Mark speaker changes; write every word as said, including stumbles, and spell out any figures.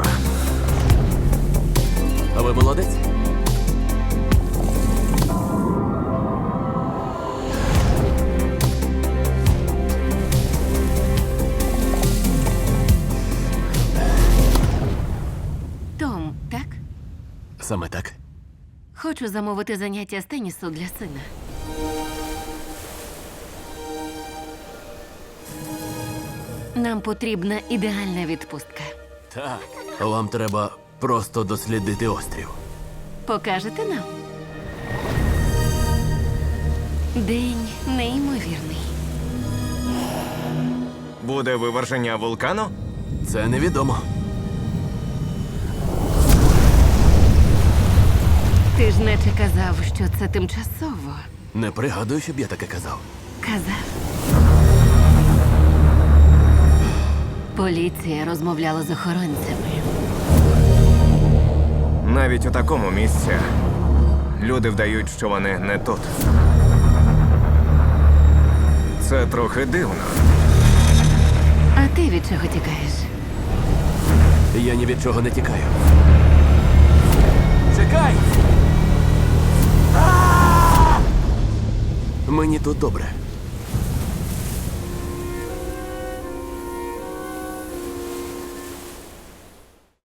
Speaker 1: А ви молодець?
Speaker 2: Том, так?
Speaker 1: Саме так.
Speaker 2: Хочу замовити заняття з тенісу для сина. Нам потрібна ідеальна відпустка.
Speaker 1: Так. Вам треба просто дослідити острів.
Speaker 2: Покажете нам? День неймовірний.
Speaker 3: Буде виверження вулкану?
Speaker 1: Це невідомо.
Speaker 2: Ти ж наче казав, що це тимчасово.
Speaker 1: Не пригадую, щоб я таке казав.
Speaker 2: Казав. Поліція розмовляла з охоронцями.
Speaker 3: Навіть у такому місці люди вдають, що вони не тут. Це трохи дивно.
Speaker 2: А ти від чого тікаєш?
Speaker 1: Я ні від чого не тікаю. Чекай! А! Мені тут добре.